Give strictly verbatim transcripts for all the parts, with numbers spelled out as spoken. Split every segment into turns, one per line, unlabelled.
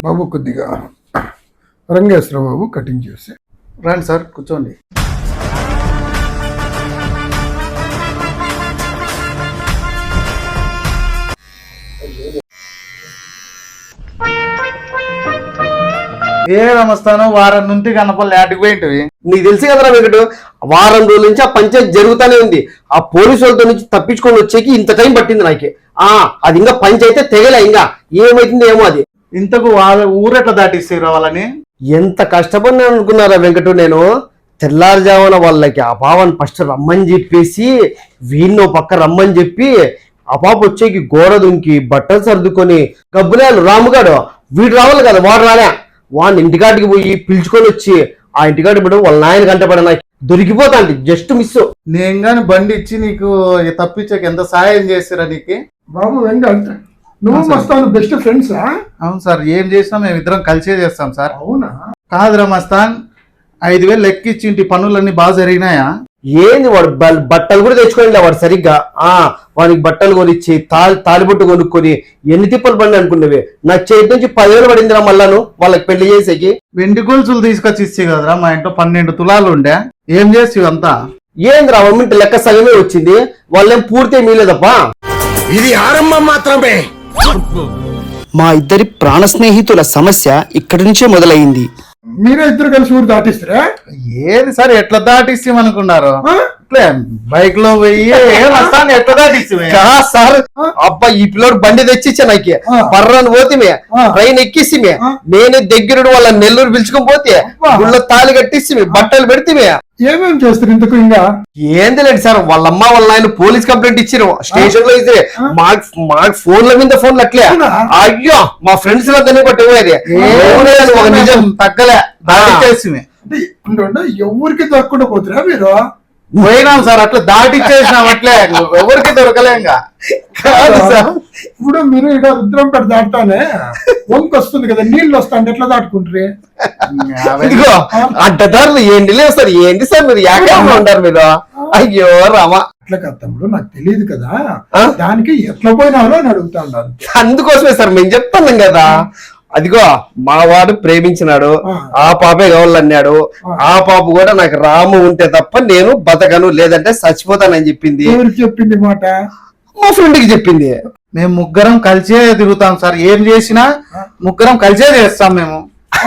బాబు కొద్దిగా రంగేశ్వర బాబు కటింగ్ చేసి
రండి సార్ కూర్చోండి. ఏ నమస్తాను వారం నుండి కనపల్లి ఆటికి పోయింటివి.
నీకు తెలుసు కదరా వెంకటు, వారం రోజుల నుంచి ఆ పంచాయతీ జరుగుతూనే ఉంది. ఆ పోలీసు వాళ్ళతో నుంచి తప్పించుకొని వచ్చేకి ఇంత టైం పట్టింది నాకే. ఆ అది ఇంకా పంచాయతీ తెగలే, ఇంకా ఏమైతుంది ఏమో. అది
ఇంతకు వాళ్ళ ఊరెట్లా దాటిస్తారు వాళ్ళని?
ఎంత కష్టపడినా అనుకున్నారా వెంకటు. నేను తెల్లారుజామున వాళ్ళకి ఆ పాపని ఫస్ట్ రమ్మని చెప్పేసి వీణ్ణో పక్క రమ్మని చెప్పి ఆ పాప వచ్చేకి గోడ దుంకి బట్టలు సర్దుకొని గబ్బులేలు రాముగాడు వీడు రావాలి కదా, వాడు రాలే. వాడిని ఇంటికాటికి పోయి పిలుచుకొని వచ్చి ఆ ఇంటికాటి పడు వాళ్ళ నాయన కంటే పడ నాకు దొరికిపోతా అంటే జస్ట్ మిస్.
నేను గాని బండి ఇచ్చి నీకు తప్పించక ఎంత సాయం చేస్తారా నీకు?
బాబు వెంకట నువ్వు మస్తాను బెస్ట్ ఫ్రెండ్సా?
అవును సార్, ఏం చేసినా మేము ఇద్దరం కలిసే చేస్తాం సార్.
అవునా?
కాదురా మస్తాన్, ఐదు వేలు లెక్కిచ్చి ఇంటి పనులన్నీ బాగా జరిగినాయా?
ఏంది వాడు బట్టలు కూడా తెచ్చుకోండి వాడు సరిగ్గా. ఆ వానికి బట్టలు కొనిచ్చి తాలి తాలిబొట్టు కొనుక్కొని ఎన్ని తిప్పలు పడి అనుకున్నవి. నా చేతి నుంచి పదివేలు పడిందిరా మళ్ళాను వాళ్ళకి పెళ్లి చేసేకి.
వెండి గొలుసులు తీసుకొచ్చి ఇచ్చి కదరా, మా ఇంట్లో పన్నెండు తులాలు ఉండే. ఏం చేసి అంతా?
ఏందిరా మమ్మింటి లెక్క సగమే వచ్చింది, వాళ్ళేం పూర్తి మీలేదప్ప.
ఇది ఆరంభం మాత్రమే.
మా ఇద్దరి ప్రాణ స్నేహితుల సమస్య ఇక్కడి నుంచే మొదలైంది.
మీరే ఇద్దరు కలిసి ఊరు దాటిస్తారా?
ఏది సార్, ఎట్లా దాటిస్తాం అనుకున్నారు? ఇట్లే బైక్ లో పోయి ఎట్లా దాటిస్తాం
సార్. అబ్బా ఈ పిల్లోడు బండి తెచ్చిచ్చా నాకు, బర్రాన్ని పోతిమే ట్రైన్ ఎక్కిసిమే, నేనే దగ్గరుడు వాళ్ళ నెల్లూరు పిలుచుకొని పోతే గుళ్ళో తాళి కట్టిసి బట్టలు పెడితే.
ఏమేమి చేస్తారు ఇంతకు? ఇంకా
ఏంది లేదు సార్, వాళ్ళమ్మ వాళ్ళ ఆయన పోలీస్ కంప్లైంట్ ఇచ్చారు స్టేషన్ లో. ఇస్తే మాకు మాకు ఫోన్ల మీద ఫోన్లు అట్లే. అయ్యో మా ఫ్రెండ్స్ లో దాన్ని పట్టుకోలేదు.
ఒక నిజం తగ్గలే దాటిచ్చేసి.
ఎవరికి దొరకకుండా పోతురా మీరు?
పోయినాం సార్, అట్లా దాటిచ్చేసినాం. అట్లే ఎవరికి దొరకలేంగా.
కాదు సార్,
ఇప్పుడు మీరు ఇక్కడ రుద్రంపేట దాటానే వంకు వస్తుంది కదా, నీళ్ళు వస్తాండి ఎట్లా దాటుకుంటారు?
ఇదిగో అడ్డదారులు ఏంటి లేదు సార్. ఏంటి సార్ మీరు ఏకంగా ఉంటారు మీరు? అయ్యో రామా.
అట్లా కదా తమ్ముడు, నాకు తెలియదు కదా, దానికి ఎట్లా పోయినారో అని అడుగుతా ఉన్నారు.
అందుకోసమే సార్ మేము చెప్తాను కదా. అదిగో మా వాడు ప్రేమించినాడు, ఆ పాపే కావాలన్నాడు. ఆ పాప కూడా నాకు రాము ఉంటే తప్ప నేను బతకను, లేదంటే చచ్చిపోతానని చెప్పింది.
ఎవరికి చెప్పింది మాట?
మా ఫ్రెండ్ కి చెప్పింది.
మేము ముగ్గురం కలిసే తిరుగుతాం సార్, ఏం చేసినా ముగ్గురం కలిసే చేస్తాం మేము.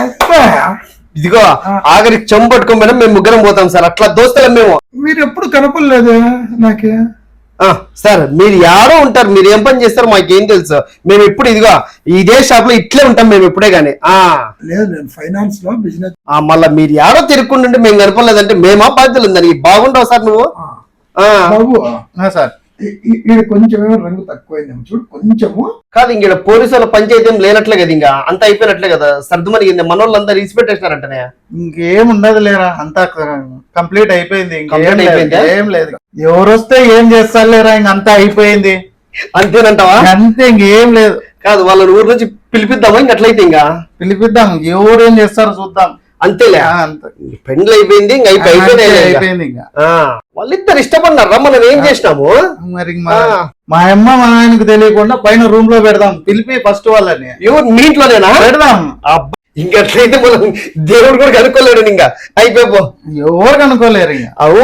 ఇదిగో ఆఖరికి చెంబు పట్టుకోకపోయినా మేము ముగ్గురం పోతాం సార్, అట్లా దోస్తులం మేము.
మీరు ఎప్పుడు కనపడలేదు నాకే.
సార్ మీరు యాడో ఉంటారు, మీరు ఏం పని చేస్తారు మాకేం తెలుసు. మేము ఎప్పుడు ఇదిగో ఇదే షాప్ లో ఇట్లే ఉంటాం మేము ఎప్పుడే గానీ.
లేదు నేను ఫైనాన్స్ లో బిజినెస్.
మళ్ళా మీరు యాడో తిరుక్కుంటుంటే మేము కనపడలేదంటే మేమా బాధ్యతలు ఉందని. బాగుంటావు సార్ నువ్వు.
బాబు
సార్
ఇక్కడ కొంచెం రంగు తక్కువైందేమో చూడు కొంచెము.
కాదు ఇంక పోలీసు వాళ్ళ పంచాయతీ ఏం లేనట్లే కదా, ఇంకా అంతా అయిపోయినట్లే కదా. సర్దుమనిగింది, మన వాళ్ళు అంతా రీసిపెట్టేసినారంటనే.
ఇంకేముండదు లేరా, అంతా కంప్లీట్ అయిపోయింది.
కంప్లీట్ అయిపోయింది,
ఏం లేదు. ఎవరు వస్తే ఏం చేస్తారు లేరా, ఇంక అంతా అయిపోయింది.
అంతేనంటావా?
అంతే, ఇంకేం లేదు.
కాదు వాళ్ళని ఊరు నుంచి పిలిపిద్దామా? ఇంక అట్లయితే ఇంకా
పిలిపిద్దాం, ఎవరు ఏం చేస్తారో చూద్దాం.
అంతేలే, పెండ్లు అయిపోయింది, ఇంక అయిపోయింది. ఇంకా వాళ్ళిద్దరు ఇష్టపడినారా, మనం ఏం చేసినాము
మరి? మా అమ్మ మా ఆయనకు తెలియకుండా పైన రూమ్ లో పెడదాం, పిలిపి ఫస్ట్ వాళ్ళని.
ఎవరు మీ ఇంట్లోనేనా పెడదాం? ఇంకట్లయితే మనం దేవుడు కూడా కనుక్కోలేడు, ఇంకా అయిపోయి
ఎవరు కనుక్కోలేరు. ఇంకా
అవు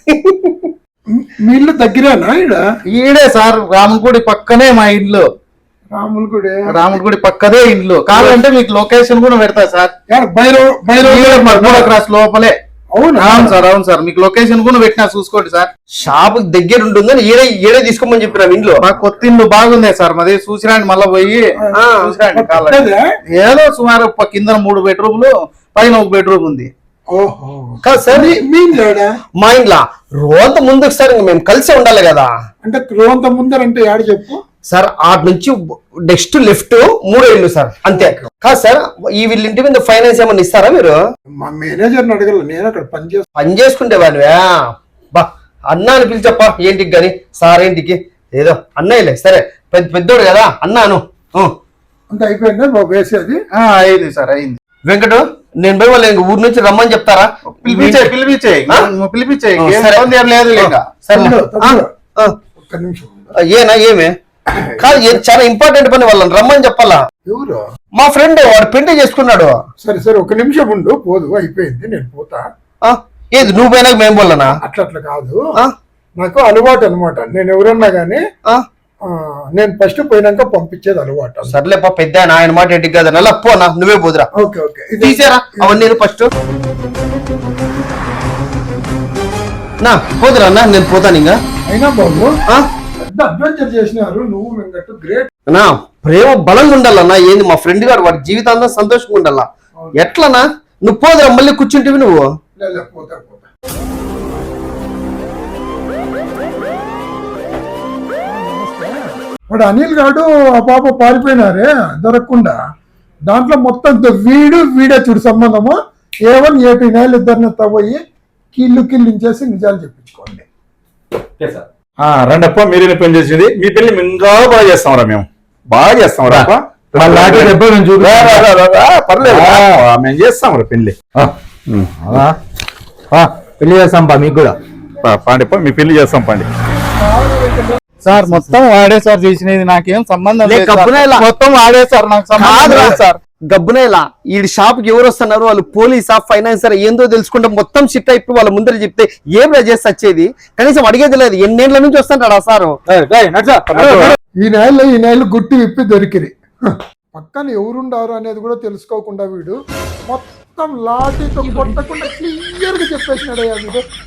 మీ ఇల్లు దగ్గరేనా? ఈడ
ఈడే సార్, రాములగుడి పక్కనే మా ఇల్లు.
రాములగుడి
రాములగుడి పక్కనే ఇల్లు. కావాలంటే మీకు లొకేషన్ కూడా పెడతా సార్, క్రాస్ లోపలే.
అవును
అవును సార్, అవును సార్, మీకు లొకేషన్ కూడా పెట్టినా చూసుకోండి సార్.
షాప్ దగ్గర ఉంటుందని ఈడే ఈడే తీసుకోమని చెప్పిన ఇంట్లో.
మా కొత్త ఇల్లు బాగుంది సార్, మాది చూసిరాండి. మళ్ళా పోయి చూసిరాండి. ఏదో సుమారు కింద మూడు బెడ్రూమ్లు, పైన ఒక బెడ్రూమ్ ఉంది.
కాదు సార్ మా ఇంట్లో రోంత ముందుకు సార్ మేము కలిసే ఉండాలి కదా.
అంటే రోంత ముందరంటే యాడ చెప్పు
సార్. ఆటి నుంచి నెక్స్ట్ లెఫ్ట్ మూడో ఇల్లు సార్, అంతే. కాదు సార్ ఈ వీళ్ళ ఇంటి మీద ఫైనాన్స్ ఏమన్నా ఇస్తారా మీరు?
మా మేనేజర్ని అడగల, నేను అక్కడ పని చేసు
పని చేసుకుంటే వాడివా బా అన్న అని పిలిచప్ప ఏంటికి గాని, సార్ ఏంటికి ఏదో అన్నయ్యలే సరే, పెద్ద పెద్దోడు కదా అన్నాను.
అంత అయిపోయిందా బాబు వేసేది?
అయింది సార్, అయింది.
వెంకటు నేను పోయి వాళ్ళు ఊరు నుంచి రమ్మని చెప్తారా?
పిలిపించే పిలిపించే పిలిపించే లేదు.
ఒక్క నిమిషం
ఏనా ఏమే? కాదు ఏం చాలా ఇంపార్టెంట్ పని వాళ్ళని రమ్మని చెప్పాలా.
ఎవరు?
మా ఫ్రెండ్ వాడు పెళ్లి చేసుకున్నాడు.
సరే సరే ఒక నిమిషం ఉండు, పోదు అయిపోయింది, నేను పోతా.
ఆ, ఏది నువ్వు పోయినాక మేము పోలనా?
అట్లా అట్లా కాదు,
ఆ?
నాకు అలవాటు అనమాట. నేను ఎవరన్నా గానీ
ఆ?
ఆ, నేను ఫస్ట్ పోయినాక పంపించేది అలవాటు.
సర్లేపా పెద్ద ఆయన, ఆయన మాట ఏంటి కదా నల్ల పోనా, నువ్వే పోదురా.
ఓకే ఓకే ఇది
తీసారా అవన్నీ ఫస్ట్ నా పోదురా అన్న, నేను పోతాను ఇంకా.
అయినా బాబు
ఆ?
పెద్ద అడ్వెంచర్ చేసినారు నువ్వు వెంకట్, గ్రేట్.
నా ప్రేమ బలంగా ఉండాలన్నా. ఏంది మా ఫ్రెండ్ గారు వాడి జీవితాంతం సంతోషంగా ఉండాలా. ఎట్లనా నువ్వు పోదురా, మళ్ళీ కూర్చుంటివి నువ్వు.
లే, లే, పోతా పోతా. వాడు అనిల్ గాడు ఆ పాప పారిపోయినారే దొరకకుండా, దాంట్లో మొత్తం ద- వీడు వీడే చూడు సంబంధము. ఏ వన్ ఏ టూ నెలలు ఇద్దరిని తవ్వయి కీళ్ళు కిల్లించేసి నిజాలు చెప్పించుకోండి.
రండప్ప, మీరే పని చేసేది. మీ పెళ్లి ఇంకా బాగా చేస్తాంరా, మేము బాగా చేస్తాంరా. పర్లేదు, మేము చేస్తాం రా పెళ్లి.
పెళ్లి చేస్తాం పా మీకు కూడా.
పాండిప్ప, మీ పెళ్లి చేస్తాం పండి.
సార్ మొత్తం వాడే సార్ చేసినది, నాకేం సంబంధం
లే,
లేదు సార్.
గబ్బున ఇలా.
మొత్తం వాడే సార్, నాకు సంబంధం
కాదురా
లేదు సార్.
గబ్బునేలా ఈ షాప్ కి ఎవరు వస్తున్నారు, వాళ్ళు పోలీసా ఫైనాన్సర్ ఏందో తెలుసుకుంటే మొత్తం షిట్ అయిపోయి వాళ్ళ ముందర చెప్తే ఏం చేసి వచ్చేది. కనీసం అడిగేది లేదు. ఎన్నేళ్ల నుంచి వస్తుంటాడు ఆ సారు.
ఈ నెలలో ఈ నెలలు గుట్టి విప్పి దొరికిరి. హ, పక్కన ఎవరుండారు అనేది కూడా తెలుసుకోకుండా వీడు మొత్తం లాఠీతో కొట్టకుండా క్లియర్ గా చెప్పేసినాడయ్యా వీడు.